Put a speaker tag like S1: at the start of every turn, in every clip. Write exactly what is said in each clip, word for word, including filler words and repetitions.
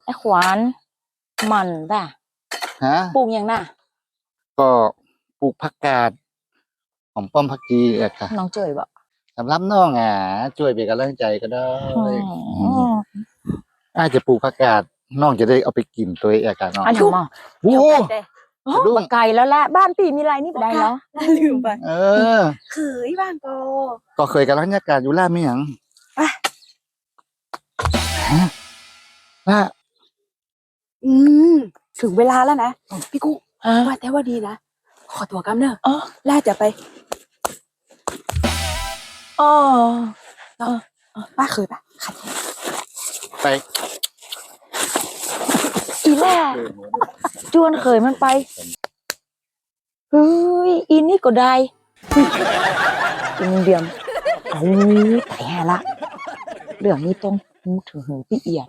S1: อ้ขวานมันป่ะ
S2: ฮะ
S1: ปลูกยังน่ะ
S2: ก็ปลูกผักกาดหอมป้อมผักชีอะค่ะ
S1: น้องเจยบ่
S2: สำหรับน้องอ่ะช่วยเป็นกำลังใจก็ได้อาจจะปลูกผักกาดน้องจะได้เอาไปกินตัวเองกันน้อง
S1: อันนี้มา
S2: โอ้
S1: ดุ้งไก่แล้วละบ้านปีมีไรนี่ไปได้เหรอ
S3: ลืมไป
S2: เออ
S3: เคยบ้างก็
S2: ก็เคยกำลังยากาศอยู่ล่าไม่หยังล่า
S3: อืมถึงเวลาแล้วนะพี่กุ๊กว่าแต่ว่าดีนะขอตัวกำเนอะอ๋อล่าจะไป
S1: อ๋อ
S3: ป้าเคยปะขัด
S2: ไป
S1: อีแล่จวนเคยมันไปเฮ้ยอินนี่ก็ได้อินเดียมเอาแต่แห่ละเรื่องนี้ต้องหูถึงหูพี่เอียด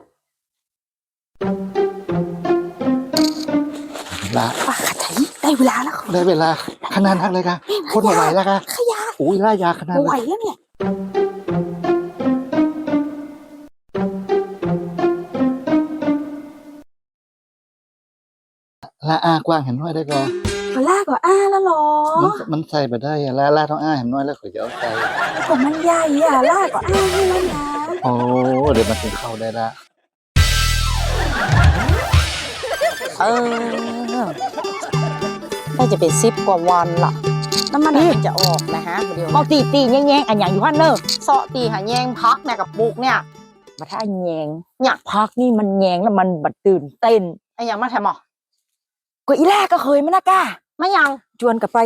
S2: ละ
S3: ป้าขัดใจได้เวลาแล้ว
S2: ได้เวลาขนาดนักเลยค่ะคนมาไหวแล้วค่ะ
S3: ขยะ
S2: อุ้ยล่ายาขนาด
S3: ไหวแล้วเนี่ย
S2: ล่าอ้ากว้างเห็นน้อยได้ก็
S3: ก็ล่าก็อ้าแล้วหรอ
S2: มันใส่ไปได้ล่าล่าต้องอ้าเห็นน้อยแล้วขอจะเอาใจ
S3: ก็มันใหญ่อะล่าก็อ้าให้แล้วนะ
S2: โอ้เดี๋ยวมันถึงเข้าได้ละ
S1: เออได้จะเป็นซิปกว่าวันล่ะน้ำมันมันจะออกนะฮะเดี๋ยวบอกตีตีแย่งๆอันอย่างอยู่ฮั่นเนอร์เซาะตีหาแย่งพักเนี่ยกับปุกเนี่ยมาถ้าแย่งอยากพักนี่มันแย่งแล้วมันบัดตื่นเต้นไอ้อย่างมาแทมอ่ะก็อีแรกก็เคยมั้ยนะก้าไม่ยังจวนกับไป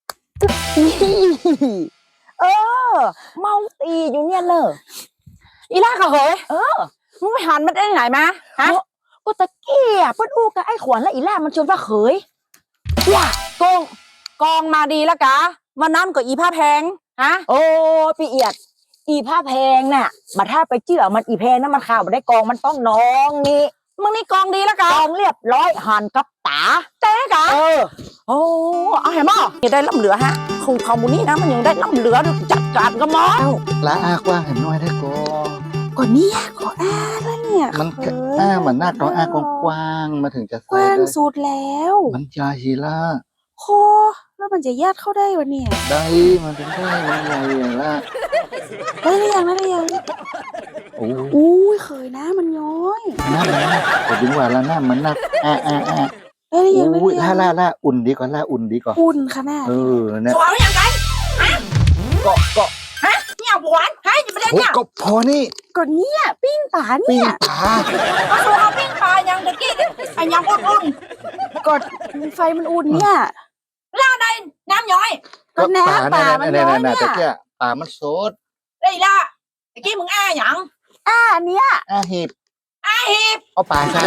S1: เออเมาตีอยู่เนี่ยเนอะอีแรกก็เคยเออมึงไปหันมันได้ไหนมาฮะก็ตะเกียบเปิ้ลอู้กับไอ้ขวัญแล้วอีแรกมันชวนว่าเคยอย่ากงกองมาดีแล้วกะมันนั่นก็อีผ้าแพงฮะโอ้พี่เอียดอีผ้าแพงน่ะมาถ้าไปเจื่อมันอีแพงนั่นมันข่าวมาได้กองมันต้องน้องนี่มึงนี่กองดีแล้วกะกองเรียบร้อยหันกับตาเต้กะเออโอ้เอาเห็นมั้ยยังได้ล่ำเหลือฮะคงคอมมูนี่นะมันยังได้ล่ำเหลือจัดการก็มั้ง
S2: ละอ้ากว้างเห็นน้อยได้ก็
S3: ก็เนี่ยก็อ้าแล้วเนี่ย
S2: มันอ้าเหมือนหน้าก็อ้ากว้างมาถึงจะ
S3: กว้างสุดแล้ว
S2: มันยาฮีล่า
S3: โคแล้วมันจะญาติเข้าได้วะเนี่ย
S2: ได้มันถึงได้มันใหญ่อย่างละ
S3: ได้หรือยังได้หรือยัง
S2: โอ้
S3: อุ้ยเคยนะมันย้อย
S2: น้ำมันแต่ถึงว่าละน้ำมันนักอ่าอ่าอ่า
S3: ได้หรือยังได้หรือยัง
S2: ล่าล่าล่าอุ่นดีกว่าล่าอุ่นดีกว่า
S3: อุ่นขนาด
S2: เออเนี่ย
S1: สวายยังไงฮะเกาะเกาะฮะเนี่ยหวานฮะจะไม่ได้เนี่ย
S2: ก็พอนี่
S3: ก็เนี่ยปิ้งปลาเนี่ย
S2: ปิ้งปลา
S1: ก็คือเอาปิ้งปลายังตะกี้ไอ้ยังอุ่น
S3: ๆก็ไฟมันอุ่นเนี่ย
S1: ล่าในน้ำย้อย
S3: ก็น้ำปลามันย้อยเนี่ย
S2: ตะกี้ปลามันสด
S1: ได้ล่ะตะกี้มึงอ้าหยัง
S3: อ้าเนี้ย
S2: อ้าหีบ
S1: อ้าหีบ
S2: เอาปลาใส่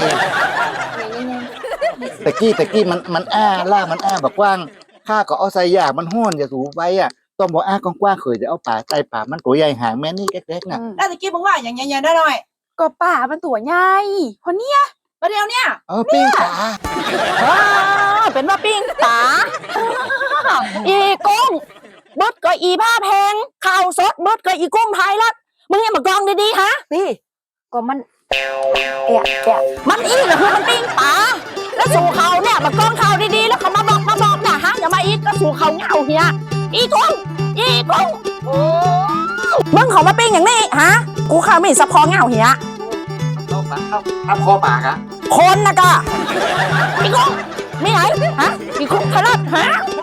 S2: ตะกี้ตะกี้มันมันอ้าล่ามันอ้าแบบกว้างข้าก็เอาใส่ยามันห้อนอย่าสูบไว้อ่ะต้องบอกอ้ากว้างๆเคยจะเอาปลาใส่ปลามันตัวใหญ่หางแม่นี่เล็กๆน่ะ
S1: แล้วตะกี้มึงว่าอย่างเงี้ยได้หน่อย
S3: ก็ปลามันตัวใหญ่คนเนี้ย
S1: ประเดี๋ยวเนี่ย
S2: เออปิ้งปลา
S1: เป็นว่าปิ้งปลาอีกุ้งบดก็อีผ้าแพงข้าวสดบดก็อีกุ้งไทยละมึงยังมากองดีๆฮะพี่ก็มันเอะเอะมันอีก็คือมันปิ้งปลาแล้วสู่เขาเนี่ยมากองเขาดีๆแล้วเขามาบอกมาบอกนะฮะอย่ามาอีกก็สู่เขาเงาเฮียอีกุ้งอีกุ้งมึงเขามาปิ้งอย่างนี้ฮะกูข้าวไม่สะพอเงาเฮีย
S2: เข้าปากเข้าเอาคอปากอะ
S1: คนนะกะอีกุ้งไม่ไหนฮะอีกุ้งขนาดฮะ